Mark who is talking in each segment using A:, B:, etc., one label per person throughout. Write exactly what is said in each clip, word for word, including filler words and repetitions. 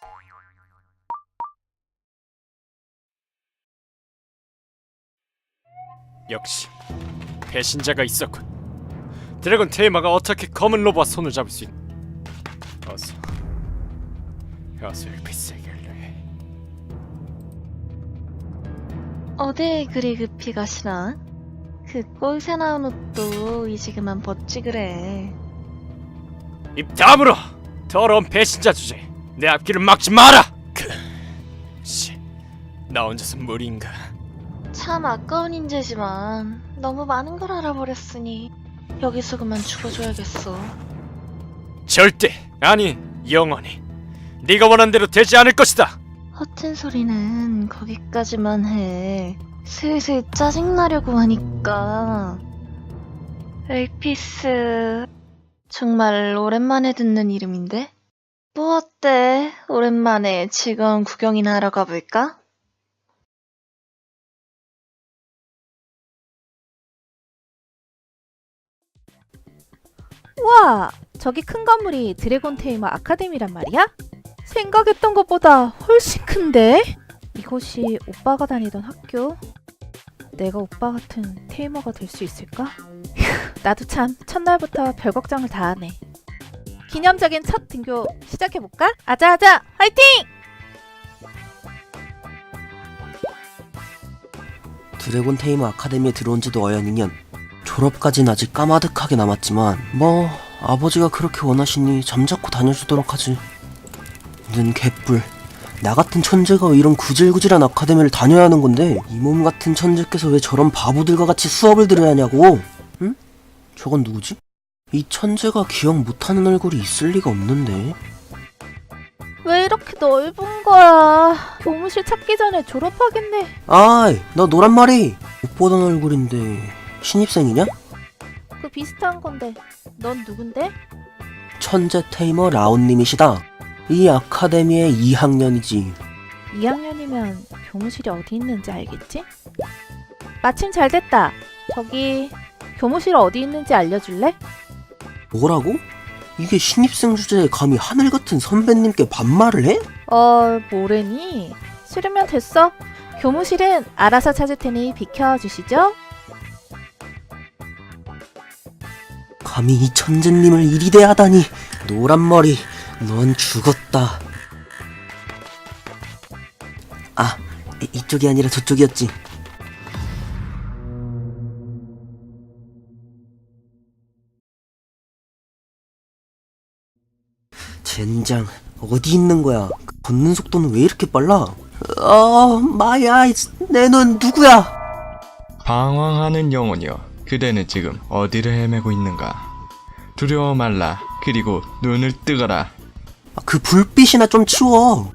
A: 역시 배신자가 있었군. 드래곤 테이머가 어떻게 검은 로봇와 손을 잡을 수 있... 어서 어서 일피스에게 알려해.
B: 어딜 그리 급히 가시나? 그 꼴새 나온 옷도 이제 그만 벗지 그래.
A: 입 다물어! 더러운 배신자 주제. 내 앞길을 막지 마라! 그... 씨, 나 혼자서 무리인가?
B: 참 아까운 인재지만 너무 많은 걸 알아버렸으니 여기서 그만 죽어줘야겠어.
A: 절대! 아니, 영원히 네가 원한 대로 되지 않을 것이다!
B: 허튼 소리는 거기까지만 해. 슬슬 짜증나려고 하니까. 엘피스... 정말 오랜만에 듣는 이름인데? 뭐 어때? 오랜만에 즐거운 구경이나 하러 가볼까?
C: 우와! 저기 큰 건물이 드래곤 테이머 아카데미란 말이야? 생각했던 것보다 훨씬 큰데? 이곳이 오빠가 다니던 학교? 내가 오빠 같은 테이머가 될 수 있을까? 휴, 나도 참 첫날부터 별 걱정을 다 하네. 기념적인 첫 등교 시작해볼까? 아자아자! 화이팅!
D: 드래곤 테이머 아카데미에 들어온 지도 어연 이 년. 졸업까진 아직 까마득하게 남았지만 뭐 아버지가 그렇게 원하시니 잠자코 다녀주도록 하지. 는 개뿔. 나 같은 천재가 왜 이런 구질구질한 아카데미를 다녀야 하는 건데 이 몸 같은 천재께서 왜 저런 바보들과 같이 수업을 들어야 하냐고. 응? 저건 누구지? 이 천재가 기억 못하는 얼굴이 있을 리가 없는데.
C: 왜 이렇게 넓은 거야? 교무실 찾기 전에 졸업하겠네.
D: 아이, 너 노란 말이 못 보던 얼굴인데 신입생이냐?
C: 그 비슷한 건데 넌 누군데?
D: 천재 테이머 라온님이시다. 이 아카데미의 이 학년이지.
C: 이 학년이면 교무실이 어디 있는지 알겠지? 마침 잘 됐다. 저기 교무실 어디 있는지 알려줄래?
D: 뭐라고? 이게 신입생 주제에 감히 하늘같은 선배님께 반말을 해?
C: 어... 뭐래니? 싫으면 됐어. 교무실은 알아서 찾을 테니 비켜주시죠.
D: 감히 이 천재님을 이리 대하다니. 노란머리, 넌 죽었다. 아, 이- 이쪽이 아니라 저쪽이었지. 젠장, 어디 있는 거야? 걷는 속도는 왜 이렇게 빨라? 어, 마야, 내 눈 누구야?
E: 방황하는 영혼이여, 그대는 지금 어디를 헤매고 있는가? 두려워 말라. 그리고 눈을 뜨거라.
D: 아, 그 불빛이나 좀 치워.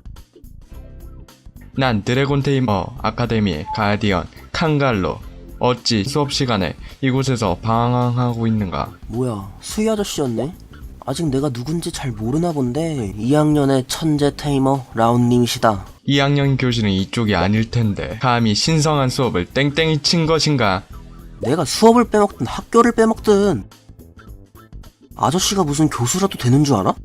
E: 난 드래곤 테이머 아카데미의 가디언 칸갈로. 어찌 수업 시간에 이곳에서 방황하고 있는가?
D: 뭐야, 수희 아저씨였네? 아직 내가 누군지 잘 모르나 본데 이 학년의 천재 테이머 라온님이시다.
E: 이 학년 교실은 이쪽이 아닐 텐데 감히 신성한 수업을 땡땡이 친 것인가?
D: 내가 수업을 빼먹든 학교를 빼먹든 아저씨가 무슨 교수라도 되는 줄 알아?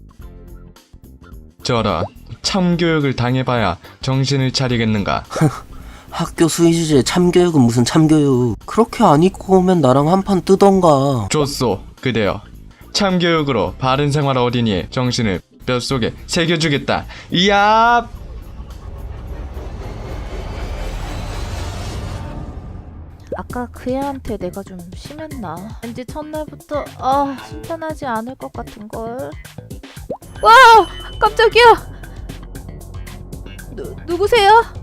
E: 저런, 참교육을 당해봐야 정신을 차리겠는가?
D: 학교 수희 주제에 참교육은 무슨 참교육. 그렇게 안 입고 오면 나랑 한판 뜨던가.
E: 좋소, 그대여. 참교육으로 바른 생활 어린이의 정신을 뼛속에 새겨주겠다. 이야!
C: 아까 그 애한테 내가 좀 심했나? 왠지 첫날부터 아 순탄하지 않을 것 같은걸. 와! 깜짝이야! 누, 누구세요?